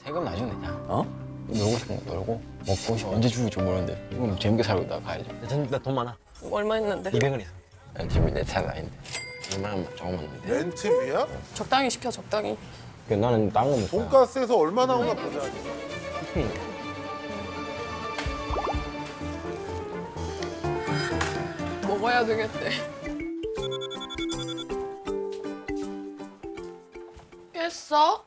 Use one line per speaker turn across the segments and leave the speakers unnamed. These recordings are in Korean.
세금 나중에 내자.
어?
놀고 싶은 거 놀고 먹고 싶으면 언제 죽을지 모르는데 이건 재밌게 살고 있다가 가야죠.
나 돈 많아.
얼마 했는데?
200원 있어.
집이 내 차는 아닌데 2만 원만 조금 왔는데
렌트비야?
적당히 시켜 적당히.
나는 딴 거 먹고
돈가스에서 얼마 나오나 보자.
먹어야 되겠대. 깼어?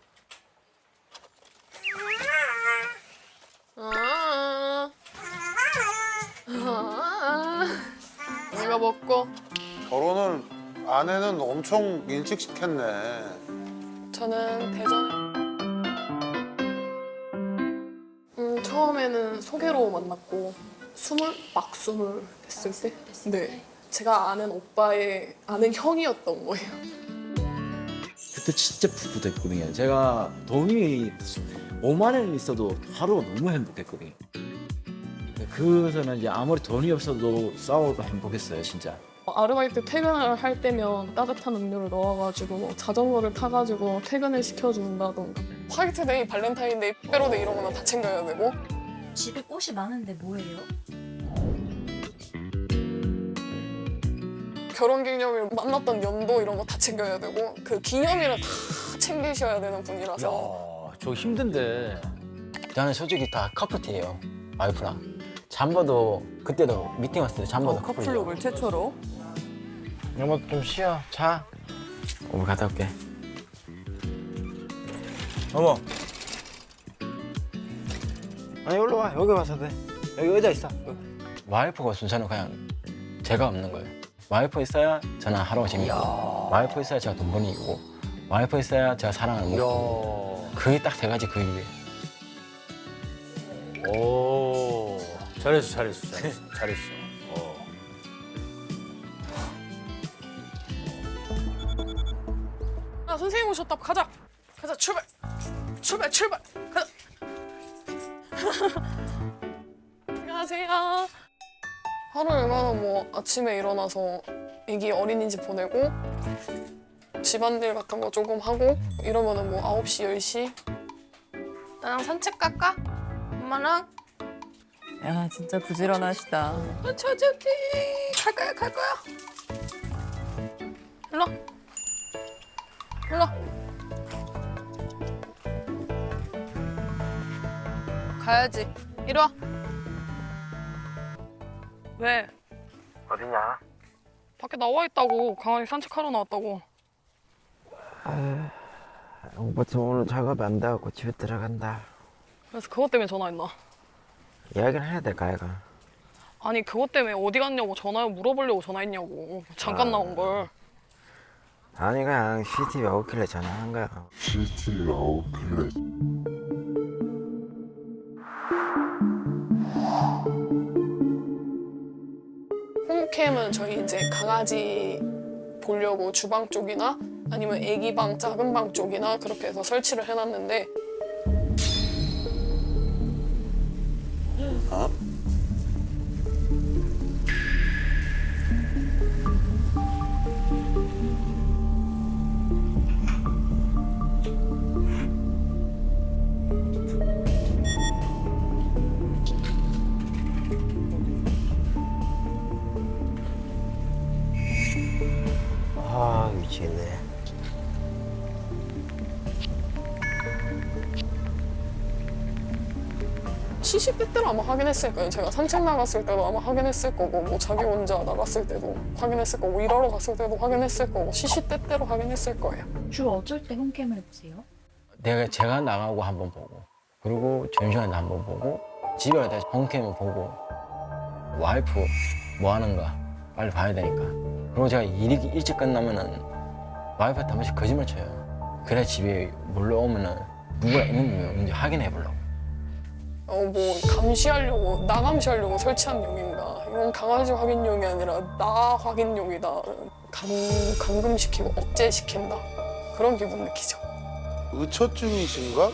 이거 먹고
결혼을 아내는 엄청 일찍 시켰네.
저는 대전에 처음에는 소개로 만났고 막 스물 됐을 때 네. 제가 아는 오빠의 아는 형이었던 거예요.
그때 진짜 풋풋했거든요. 제가 돈이 5만 원 있어도 하루가 너무 행복했거든요. 그래서는 이제 아무리 돈이 없어도 싸워도 행복했어요, 진짜.
아르바이트 퇴근을 할 때면 따뜻한 음료를 넣어가지고 자전거를 타가지고 퇴근을 시켜준다던가 화이트데이, 발렌타인데이, 빼로데이 이런 거는 다 챙겨야 되고
집에 꽃이 많은데 뭐예요?
결혼기념일 만났던 연도 이런 거 다 챙겨야 되고 그 기념일은 다 챙기셔야 되는 분이라서
저 힘든데.
저는 솔직히 다 커플티예요. 와이프랑 잠버도 그때도 미팅 왔을 때 잠버도 커플이에요.
커플룩을 최초로.
여보 좀 쉬어. 자. 어머 갔다 올게. 어머. 아니 올라 와. 여기 와서 돼. 여기 의자 있어. 와이프가 순서는 그냥 제가 없는 거예요. 와이프 있어야 저는 하루가 재밌고 와이프 있어야 제가 돈 버는 이고 와이프 있어야 제가 사랑을 먹고 그게 딱 세 가지 그 이유예요.
오. 잘했어.
아 선생님 오셨다. 가자 출발 가자. 안녕하세요. 하루 일과는 뭐 아침에 일어나서 애기 어린이집 보내고 집안일 같은 거 조금 하고 이러면은 뭐 9시 10시 나랑 산책 갈까? 엄마랑?
야 진짜 부지런하시다.
저기 갈 거야. 일로 가야지. 이리 와. 왜?
어디냐?
밖에 나와 있다고. 강아지 산책하러 나왔다고.
오빠 저 오늘 작업이 안 돼갖고 집에 들어간다.
그래서 그것 때문에 전화했나?
이야기를 해야 될까 얘가?
아니 그것 때문에 어디 갔냐고 물어보려고 전화했냐고. 잠깐 나온 걸.
아니 그냥 CCTV 오길래 전화한 거야.
홈캠은 저희 이제 강아지 보려고 주방 쪽이나 아니면 애기 방 작은 방 쪽이나 그렇게 해서 설치를 해놨는데
아 미치겠네.
시시때때로 아마 확인했을 거예요. 제가 산책 나갔을 때도 아마 확인했을 거고 뭐 자기 혼자 나갔을 때도 확인했을 거고 일하러 갔을 때도 확인했을 거고 시시때때로 확인했을 거예요.
주로 어쩔 때 홈캠을 보세요?
제가 나가고 한번 보고 그리고 점심시간에 한번 보고 집에 갈 때 홈캠을 보고 와이프 뭐 하는가 빨리 봐야 되니까. 그리고 제가 일이 일찍 끝나면은 와이프한테 한 번씩 거짓말 쳐요. 그래 집에 몰려오면은 누가 있는지 없는지 확인해 보려고.
뭐 감시하려고 나 감시하려고 설치한 용인가? 이건 강아지 확인용이 아니라 나 확인용이다. 감금시키고 억제시킨다. 그런 기분 느끼죠.
의처증이신가?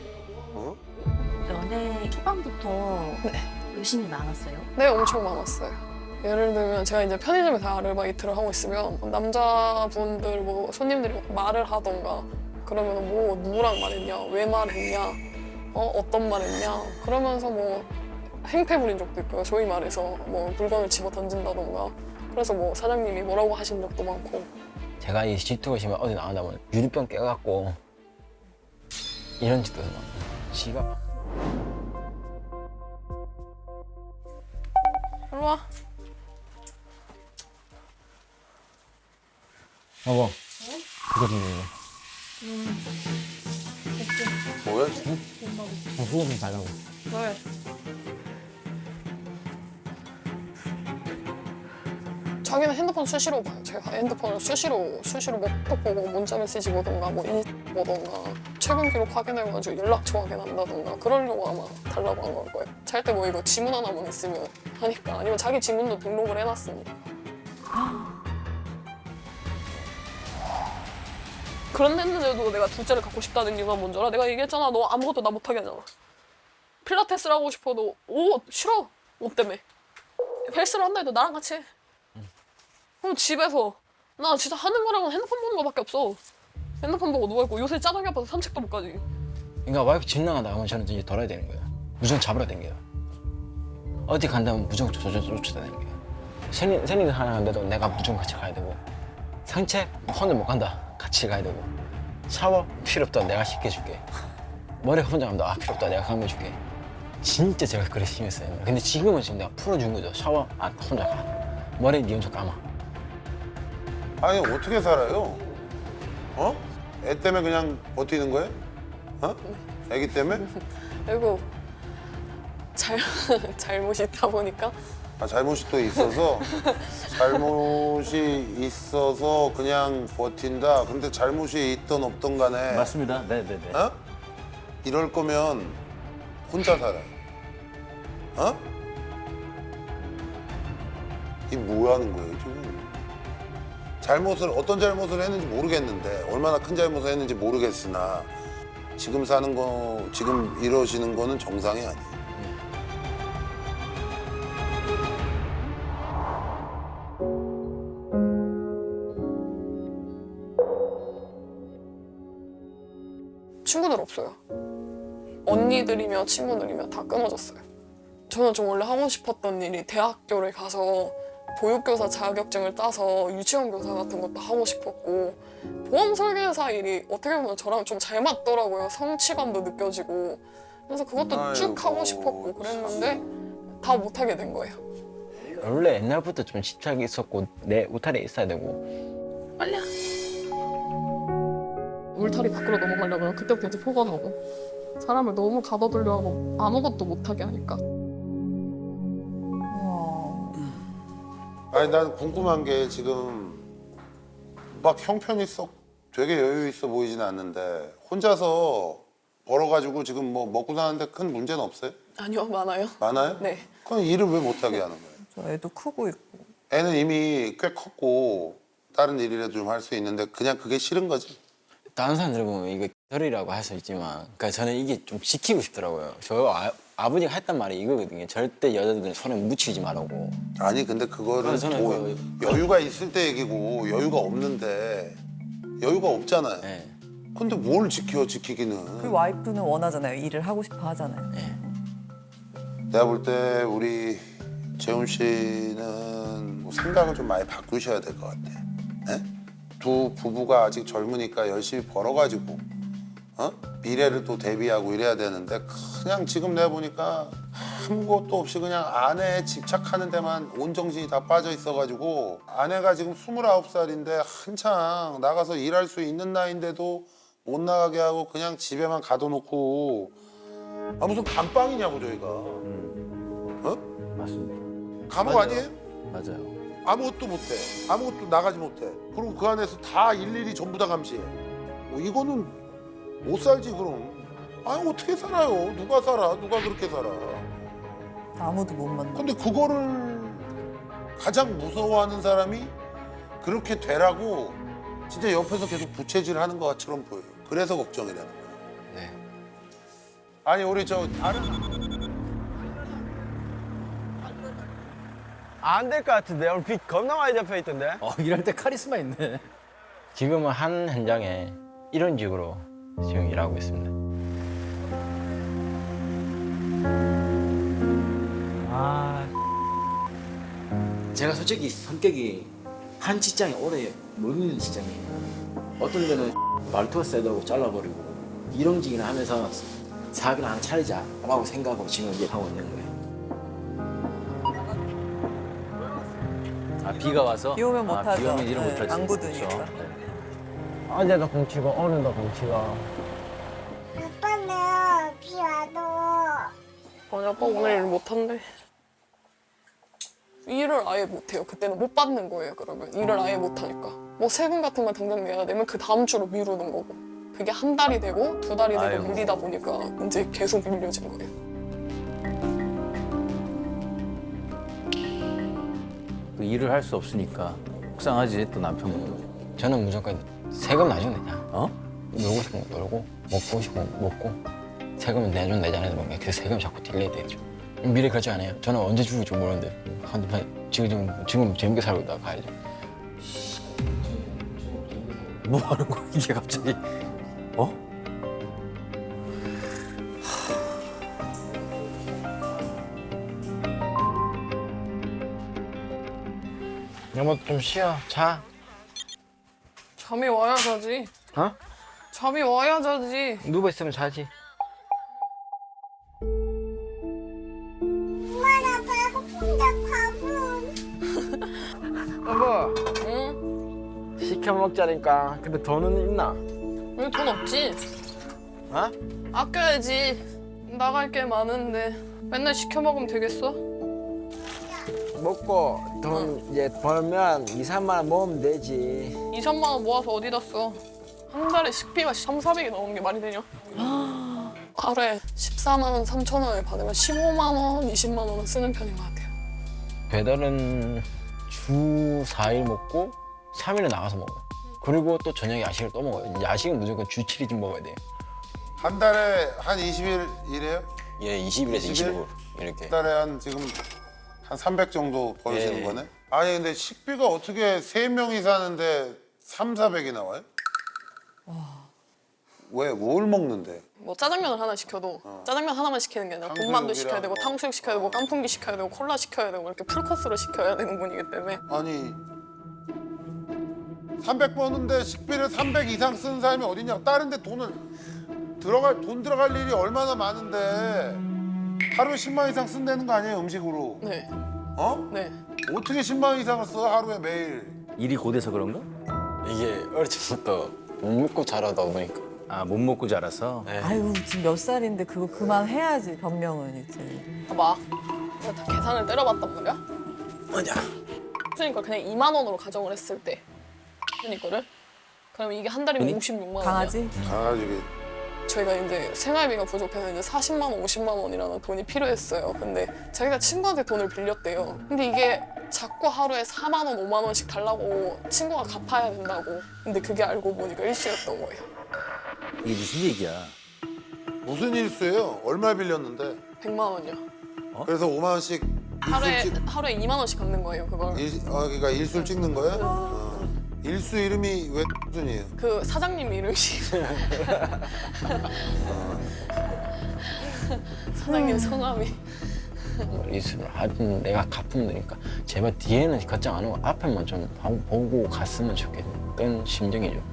연애 초반부터 의심이 많았어요?
네, 엄청 많았어요. 예를 들면 제가 이제 편의점에서 아르바이트를 하고 있으면 남자분들 뭐 손님들이 말을 하던가 그러면 뭐 누구랑 말했냐, 왜 말했냐 어떤 말 했냐 그러면서 뭐 행패 부린 적도 있고요. 소위 말해서 뭐 물건을 집어 던진다던가 그래서 뭐 사장님이 뭐라고 하신 적도 많고.
제가 이 G2가 지금 어디 나가다 보면 유리병 깨갖고 이런 짓도 막 지가
이리 와.
여보 이거 좀
뭐야?
후원 좀 달라고.
왜? 자기는 핸드폰 수시로 봐요. 제가 핸드폰을 수시로 뭐 톡 보고 문자 메시지 보던가 뭐 인스타 보던가 최근 기록 확인해가지고 연락처 확인한다던가 그러려고 아마 달라고 한 걸 거예요. 잘 때 뭐 이거 지문 하나만 있으면 하니까 아니면 자기 지문도 등록을 해놨으니까. 그런데도 내가 둘째를 갖고 싶다는 이유가 뭔 줄 알아? 내가 얘기했잖아. 너 아무것도 나 못하게 하잖아. 필라테스를 하고 싶어도 싫어. 옷 때문에. 헬스를 한다 해도 나랑 같이 해. 그럼 집에서 나 진짜 하는 거랑은 핸드폰 보는 거밖에 없어. 핸드폰 보고 누워있고 요새 짜장이 아파서 산책도 못 가지.
그러니까 와이프 집 나간다 하면 저는 이제 돌아야 되는 거예요. 무조건 잡으러 댕겨요. 어디 간다면 무조건 쫓아다니는 거예요. 생리도 하나 간데도 내가 무조건 같이 가야 되고 산책 혼자 못 간다. 같이 가야 되고 샤워 필요 없다. 내가 씻겨줄게. 머리 혼자 간다. 필요 없다. 내가 감겨줄게. 진짜 제가 그래 심했어요. 근데 지금은 지금 내가 풀어준 거죠. 샤워 혼자 가. 머리 니 혼자 감아.
아니 어떻게 살아요? 어? 애 때문에 그냥 버티는 거예요? 어? 애기 때문에?
그리고 잘못이 있다 보니까
아, 잘못이 또 있어서 잘못이 있어서 그냥 버틴다. 근데 잘못이 있던 없던 간에
맞습니다. 네네네.
어? 이럴 거면 혼자 살아. 어? 이 뭐 하는 거예요 지금? 어떤 잘못을 했는지 모르겠는데 얼마나 큰 잘못을 했는지 모르겠으나 지금 사는 거 지금 이러시는 거는 정상이 아니에요.
친구들 없어요. 언니들이며 친구들이며 다 끊어졌어요. 저는 좀 원래 하고 싶었던 일이 대학교를 가서 보육교사 자격증을 따서 유치원 교사 같은 것도 하고 싶었고 보험 설계사 일이 어떻게 보면 저랑 좀 잘 맞더라고요. 성취감도 느껴지고 그래서 그것도 쭉 하고
아이고,
싶었고 그랬는데 다 못하게 된 거예요.
원래 옛날부터 좀 집착이 있었고 내 울타리에 있어야 되고
빨리야. 울타리 밖으로 넘어가려면 그때부터 이제 포가 나고 사람을 너무 가둬두려 하고 아무것도 못하게 하니까.
아니 난 궁금한 게 지금 막 형편이 썩 되게 여유 있어 보이진 않는데 혼자서 벌어가지고 지금 뭐 먹고 사는데 큰 문제는 없어요?
아니요, 많아요.
많아요?
네.
그럼 일을 왜 못하게 하는 거예요?
저 애도 크고 있고.
애는 이미 꽤 컸고 다른 일이라도 좀 할 수 있는데 그냥 그게 싫은 거지?
다른 사람들 보면 이거 털이라고 할 수 있지만 그러니까 저는 이게 좀 지키고 싶더라고요. 저 아버지가 했던 말이 이거거든요. 절대 여자들은 손에 묻히지 말라고.
아니 근데 그거를
그래서 저는
여유가 있을 때 얘기고 여유가 없는데 여유가 없잖아요.
네.
근데 뭘 지키기는.
그 와이프는 원하잖아요. 일을 하고 싶어 하잖아요.
네.
내가 볼 때 우리 재훈 씨는 뭐 생각을 좀 많이 바꾸셔야 될 것 같아. 예? 두 부부가 아직 젊으니까 열심히 벌어가지고 미래를 또 대비하고 이래야 되는데 그냥 지금 내가 보니까 아무것도 없이 그냥 아내에 집착하는 데만 온 정신이 다 빠져 있어가지고 아내가 지금 29살인데 한창 나가서 일할 수 있는 나이인데도 못 나가게 하고 그냥 집에만 가둬놓고 아 무슨 감방이냐고 저희가
맞습니다.
감옥
맞아요.
아니에요?
맞아요.
아무것도 못해. 아무것도 나가지 못해. 그리고 그 안에서 다 일일이 전부 다 감시해. 이거는 못 살지 그럼. 아니 어떻게 살아요? 누가 살아? 누가 그렇게 살아?
아무도 못 만나.
근데 그거를 가장 무서워하는 사람이 그렇게 되라고 진짜 옆에서 계속 부채질하는 것처럼 보여요. 그래서 걱정이라는 거예요.
네.
아니 우리 저 다른
안 될 것 같은데 오늘 비 겁나 많이 잡혀 있던데.
일할 때 카리스마 있네.
지금은 한 현장에 이런 식으로 지금 일하고 있습니다. 제가 솔직히 성격이 한 직장에 오래 못 있는 직장이에요. 어떤 데는 말투가 세다고 잘라버리고 일용직이나 하면서 사업이나 하나 차리자라고 생각하고 지금 이제 하고 있는 거예요.
아 비가 와서?
비 오면
아,
못하죠.
비 오면 일을
네,
못하지.
안 굳으니까.
그렇죠. 네.
어제도 공치고 오늘도 공치고.
아빠는 비 와도
아니 아빠 오늘 일 못한대. 일을 아예 못해요. 그때는 못 받는 거예요. 그러면 일을 아예 못하니까 뭐 세금 같은 거 당장 내야 되면 그 다음 주로 미루는 거고 그게 한 달이 되고 두 달이 되고
아이고.
밀리다 보니까 이제 계속 밀려진 거예요.
또 일을 할 수 없으니까 속상하지 또 남편분도.
저는 무조건 세금 나중에 내자.
어?
놀고 싶은 거 놀고 먹고 싶은 거 먹고 세금은 내준 내잖아요. 그 세금 자꾸 딜레이 되죠. 미래 그렇지 않아요. 저는 언제 죽을지 모르는데 지금 재밌게 살고 있다가 가야죠.
뭐 하는 거야 이게 갑자기? 어?
여보 좀 쉬어. 자.
잠이 와야 자지.
어?
잠이 와야 자지.
누워 있으면 자지.
엄마나 배고픈데 밥은
여보
응?
시켜 먹자니까. 근데 돈은 있나?
왜 돈 없지?
어?
아껴야지. 나갈 게 많은데 맨날 시켜 먹으면 되겠어?
먹고 돈 이제 벌면 2, 3만 원 모으면 되지.
2, 3만 원 모아서 어디다 써? 한 달에 식비가 3, 400이 나오는 게 말이 되냐? 하루에 14만 원, 3천 원을 받으면 15만 원, 20만 원은 쓰는 편인 것 같아요.
배달은 주 4일 먹고 3일은 나가서 먹어요. 그리고 또 저녁에 야식을 또 먹어요. 야식은 무조건 주 7일쯤 먹어야 돼요.
한 달에 한 20일 일해요?
예, 20일에서
20일?
25일 이렇게.
한 달에 한 지금 한 300 정도 벌시는
예.
거네? 아니 근데 식비가 어떻게 3명이 사는데 3, 400이 나와요? 왜? 뭘 먹는데?
뭐 짜장면을 하나 시켜도 짜장면 하나만 시키는 게 아니라 군만두 시켜야 되고
탕수육이랑
탕수육 시켜야 되고 깐풍기 시켜야 되고 콜라 시켜야 되고 이렇게 풀코스로 시켜야 되는 분이기 때문에
아니 300 버는데 식비를 300 이상 쓰는 사람이 어딨냐? 다른 데 돈 들어갈 일이 얼마나 많은데 하루에 10만 원 이상 쓴다는 거 아니에요, 음식으로?
네,
어?
네.
어떻게 10만 원 이상을 써, 하루에 매일?
일이 고돼서 그런가?
이게 어릴 때부터 못 먹고 자라다 보니까.
아 못 먹고 자라서.
네.
아유 지금 몇 살인데 그거 그만해야지 변명은 이제.
봐봐. 내가 다 계산을 때려봤단 말이야.
맞아.
그러니까 그냥 2만 원으로 가정을 했을 때 이거를 그러면 이게 한 달이면 56만 원이야.
강아지?
강아지
저희가 이제 생활비가 부족해서 이제 40만 원, 50만 원이라는 돈이 필요했어요. 근데 자기가 친구한테 돈을 빌렸대요. 근데 이게 자꾸 하루에 4만 원, 5만 원씩 달라고 친구가 갚아야 된다고. 근데 그게 알고 보니까 일시였던 거예요.
이게 무슨 얘기야?
무슨 일수예요? 얼마 빌렸는데?
100만 원이요.
그래서 5만 원씩
하루에
일술
하루에 2만 원씩 갚는 거예요, 그걸.
그러니까 일술 찍는 거예요? 일수 이름이 왜 순이에요?
그 사장님 이름이 사장님 성함이
이수를 하든 내가 갚으면 되니까 제발 뒤에는 걱정 안 하고 앞에만 좀 보고 갔으면 좋겠던 심정이죠.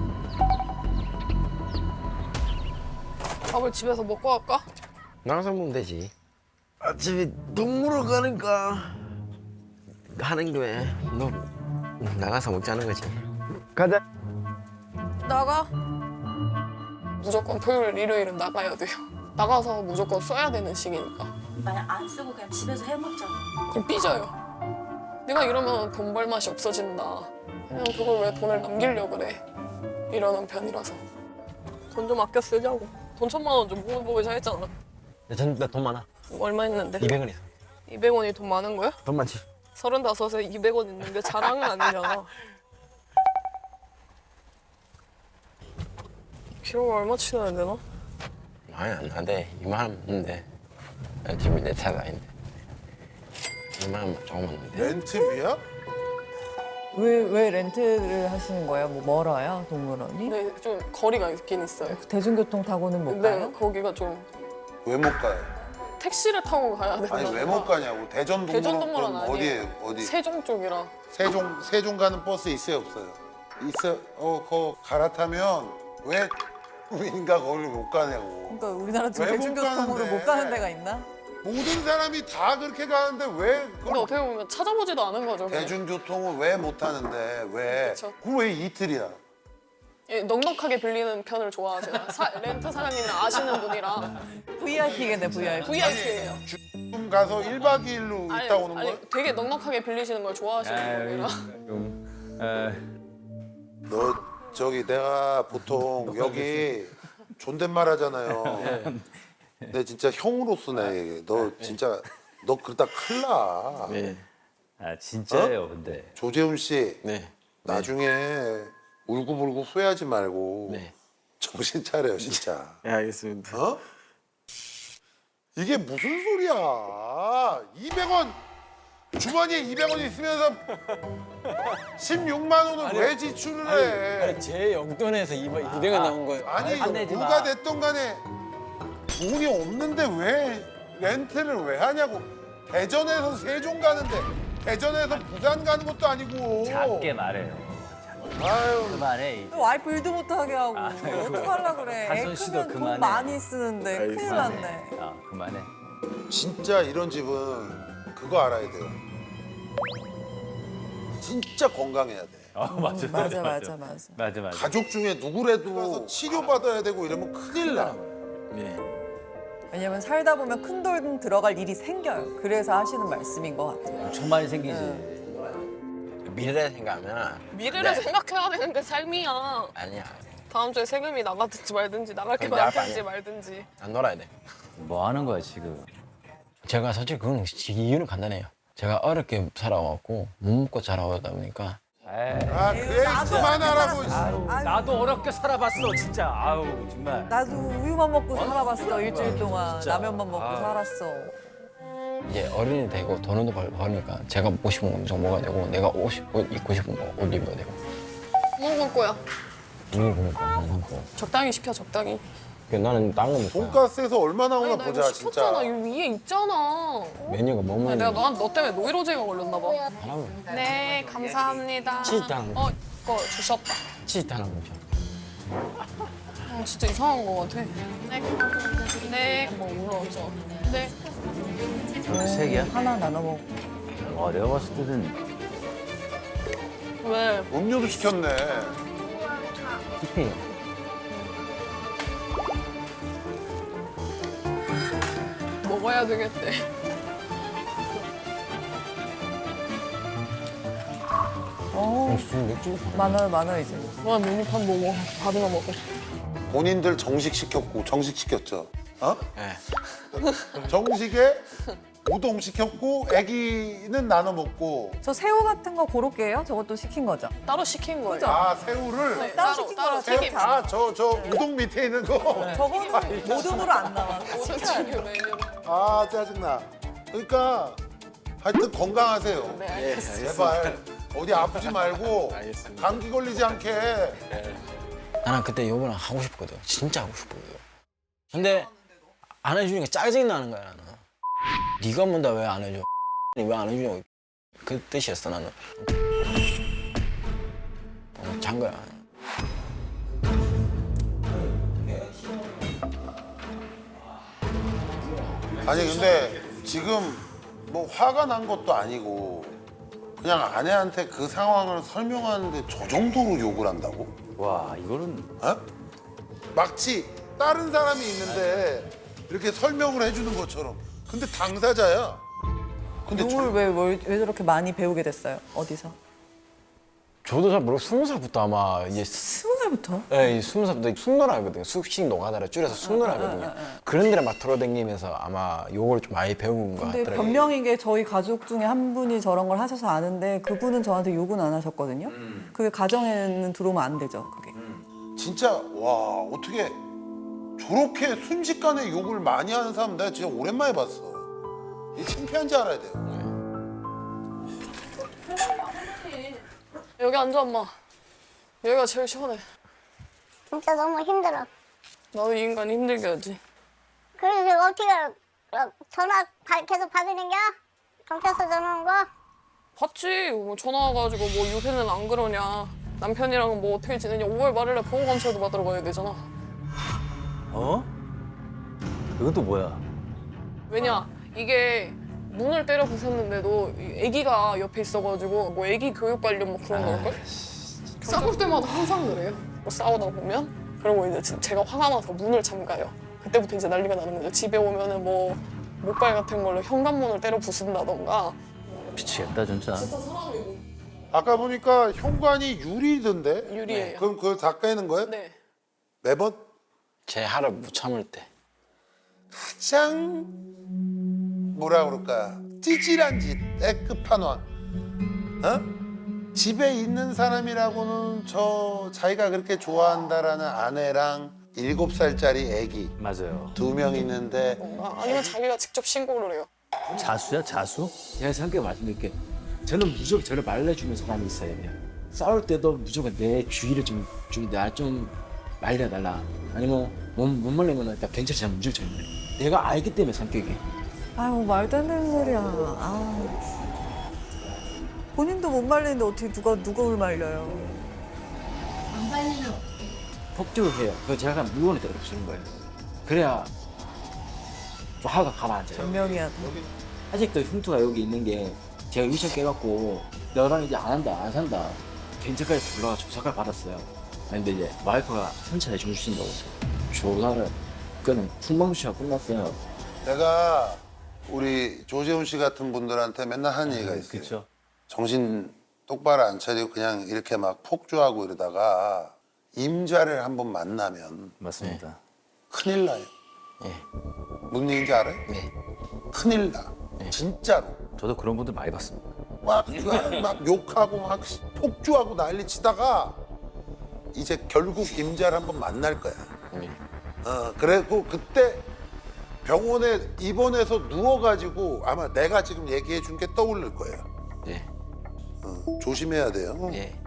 밥을 집에서 먹고 갈까?
나가서 먹으면 되지. 어차피 동물원 가니까 하는 거에 너 나가서 먹자는 거지. 가자.
나가. 무조건 토요일, 일요일은 나가야 돼요. 나가서 무조건 써야 되는 시기니까.
만약 안 쓰고 그냥 집에서 해 먹잖아.
그럼 삐져요. 내가 이러면 돈 벌 맛이 없어진다. 그냥 그걸 왜 돈을 남기려고 그래. 이러는 편이라서. 돈 좀 아껴 쓰자고. 돈 1,000만 원 좀 모으자 했잖아.
나돈 많아.
얼마 있는데?
200원 있어.
200원이 돈 많은 거야?
돈 많지.
35에 200원 있는 게 자랑은 아니잖아. 비용을 얼마 치러야 되나?
많이 안 나대. 2만 원 있는데 집이 내 차가 아닌데 2만 원만 조금만 있는데.
렌트비야?
왜 렌트를 하시는 거예요? 뭐 멀어요 동물원이?
네, 좀 거리가 있긴 있어요.
대중교통 타고는 못
근데
가요?
거기가 좀
왜 못 가요?
택시를 타고 가야 되나?
아니 왜 못 가냐고.
대전동물원 아니에요.
어디에 어디?
세종 쪽이라.
세종 가는 버스 있어요 없어요? 있어. 그거 갈아타면 왜 국민가 거기를 못 가냐고.
그러니까 우리나라
왜못
대중교통으로
가는데?
못 가는 데가 있나?
모든 사람이 다 그렇게 가는데 왜
근데
그걸
어떻게 보면 찾아보지도 않은 거죠. 그냥.
대중교통을 왜 못 타는데 왜?
그쵸.
그럼 왜 이틀이야?
예, 넉넉하게 빌리는 편을 좋아하세요. 렌트 사장님은 아시는 분이라
VIP겠네, VIP.
VIP예요.
좀 가서 1박 2일로 있다 오는 거야?
되게 넉넉하게 빌리시는 걸 좋아하시는 분이라.
너 저기 내가 보통 여기 존댓말 하잖아요. 근데 진짜 형으로서 너 진짜 너 그러다 큰일 나.
네.
아 진짜예요, 근데.
조재훈 씨
네.
나중에 울고불고 후회하지 말고
네.
정신 차려요 진짜.
네, 알겠습니다.
어? 이게 무슨 소리야? 200원 주머니에 200원 있으면서 16만 원을 왜 지출을 해?
아니, 제 용돈에서 200원 나온 거예요.
아니
화내지
누가
마.
됐던 간에 돈이 없는데 왜 렌트를 왜 하냐고. 대전에서 세종 가는데 대전에서 부산 가는 것도 아니고.
작게 말해요.
아유
그만해.
와이프 일도 못하게 하고 어떡하려고 그래. 애
한손 씨도
크면 돈
그만해.
많이 쓰는데 큰일 났네.
아 그만해.
진짜 이런 집은 그거 알아야 돼요. 진짜 건강해야 돼.
맞아,
맞아.
맞아.
가족 중에 누구라도 치료받아야 되고 이러면 큰일 나.
네.
왜냐면 살다 보면 큰 돈 들어갈 일이 생겨요. 그래서 하시는 말씀인 것 같아요.
엄청 많이 생기지.
미래를 생각하면
미래를
네.
생각해야 되는 게 삶이야.
아니야.
다음 주에 세금이 나가든지 말든지 나갈 게
근데 아빠
많든지
아니야.
말든지.
안 놀아야 돼.
뭐 하는 거야 지금?
제가 솔직히 그건 이유는 간단해요. 제가 어렵게 살아왔고 못 먹고 자라오다 보니까
에이,
아 그래 그만하라고.
아유,
나도 어렵게 살아봤어 진짜. 아우 정말.
나도 우유만 먹고 살아봤어. 일주일 동안
진짜.
라면만 먹고
아.
살았어.
이제 어른이 되고 돈도 벌니까 제가 먹고 싶은 거 엄청 먹어야 되고 내가 옷 입고 싶은 거 옷 입어야 되고
뭐 먹을 거야?
이거 보니까 안 먹고
적당히 시켜 적당히.
나는 딴 거 먹고
돈가스에서 얼마 나오나
아니 나
보자
이거 시켰잖아.
진짜.
이 위에 있잖아.
메뉴가 뭐
아니,
먹는
내가 너 때문에 노이로제가 걸렸나 봐.
하라면
네 감사합니다.
치즈 하는 거.
이거 주셨다.
치즈 하나 먹자.
진짜 이상한 거 같아. 네. 뭐 올라왔어. 네.
세 개야?
하나 나눠 먹고.
내가 봤을 때는
왜?
음료도 시켰네.
티페이.
먹어야 되겠대.
무슨 맥주?
많아요 이제.
와 메뉴판 먹어. 받으러 먹어.
본인들 정식 시켰고 정식 시켰죠. 어?
네.
정식에 우동 시켰고 애기는 나눠 먹고.
저 새우 같은 거 고로케 해요? 저것도 시킨 거죠?
따로 시킨 거예요.
아 새우를.
네,
따로 시킨 거라
새우
튀김.
아저 우동 밑에 있는 거.
저거는 모듬으로 안 나와.
모든 지금 메뉴.
아 짜증나. 그러니까 하여튼 건강하세요.
네 알겠습니다.
제발 어디 아프지 말고
알겠습니다.
감기 걸리지 않게.
나는 그때 요번에 하고 싶거든. 진짜 하고 싶거든. 근데 안 해주니까 짜증이 나는 거야 나는. 네가 뭔데 왜 안 해줘? 왜 안 해주냐고. 그 뜻이었어 나는. 잔 거야.
아니 근데 지금 뭐 화가 난 것도 아니고 그냥 아내한테 그 상황을 설명하는데 저 정도로 욕을 한다고?
와 이거는
어? 마치 다른 사람이 있는데 이렇게 설명을 해주는 것처럼. 근데 당사자야. 근데
욕을 왜 저렇게 많이 배우게 됐어요? 어디서?
저도 잘 모르고 20살부터 아마 이제
20살부터?
예, 20살부터 숙노라거든요. 숙식 노가다를 줄여서 숙노라거든요. 그런 데를 막 돌아다니면서 아마 요걸 좀 많이 배운 것
근데
같더라고요.
변명인 게 저희 가족 중에 한 분이 저런 걸 하셔서 아는데 그분은 저한테 욕은 안 하셨거든요. 그게 가정에는 들어오면 안 되죠, 그게.
진짜 와 어떻게 저렇게 순식간에 욕을 많이 하는 사람 내가 진짜 오랜만에 봤어. 이 창피한지 알아야 돼요.
여기 앉아 엄마. 여기가 제일 시원해.
진짜 너무 힘들어.
나도 이 인간 힘들게 하지.
그래서 내가 어떻게 알아? 전화 계속 받으는 겨? 경찰서 전화 온 거?
봤지. 뭐 전화 와가지고 뭐 요새는 안 그러냐. 남편이랑 뭐 어떻게 지내냐. 5월 말일에 보호감찰도 받으러 가야 되잖아.
어? 이건 또 뭐야?
왜냐 이게 문을 때려 부쉈는데도 이 아기가 옆에 있어가지고 뭐 아기 교육 관련 뭐 그런 걸걸? 싸울 때마다 항상 그래요. 뭐 싸우다 보면 그리고 이제 제가 화가 나서 문을 잠가요. 그때부터 이제 난리가 나는 거죠. 집에 오면은 뭐 목발 같은 걸로 현관문을 때려 부순다던가.
미치겠다 진짜.
아까 보니까 현관이 유리던데?
유리예요.
그럼 그걸 다 깨는 거예요?
네.
매번?
제 하루 못 참을 때.
가장 뭐라 그럴까 찌질한 짓, 끝판왕. 어? 집에 있는 사람이라고는 저 자기가 그렇게 좋아한다라는 아내랑 7살짜리 아기
맞아요.
2명 있는데
뭔가 아니면 자기가 직접 신고를 해요.
자수야 자수?
제가 성격 말씀드릴게. 저는 무조건 저를 말려주는 사람이 있어야 돼요. 싸울 때도 무조건 내 주의를 좀 말려달라. 아니면 못 말리면 일단 경찰서 무조건 전화해. 내가 알기 때문에 성격이.
아유 말도 안 되는 소리야. 아. 본인도 못 말리는데 어떻게 누가 말려요?
폭주를 해요. 그거 제가 물건에 때려 부수는 거예요. 그래야 좀 화가 가라앉아요.
변명이야.
아직도 흉터가 여기 있는 게 제가 유치원 깨갖고 너랑 이제 안 한다, 안 산다. 경찰까지 불러가 조사까지 받았어요. 근데 이제 와이프가 선차에 주무신다고 조사를 그거는 풍방수시가 끝났어요.
내가 우리 조재훈 씨 같은 분들한테 맨날 하는 얘기가 있어요.
그렇죠.
정신 똑바로 안 차리고 그냥 이렇게 막 폭주하고 이러다가 임자를 한번 만나면
맞습니다.
큰일 나요.
예.
무슨 얘기인지 알아요?
네.
큰일 나. 진짜로.
저도 그런 분들 많이 봤습니다.
막 욕하고 막 폭주하고 난리 치다가 이제 결국 임자를 한번 만날 거야.
네.
그래고 그때 병원에 입원해서 누워가지고 아마 내가 지금 얘기해 준 게 떠오를 거예요.
네.
조심해야 돼요.
예.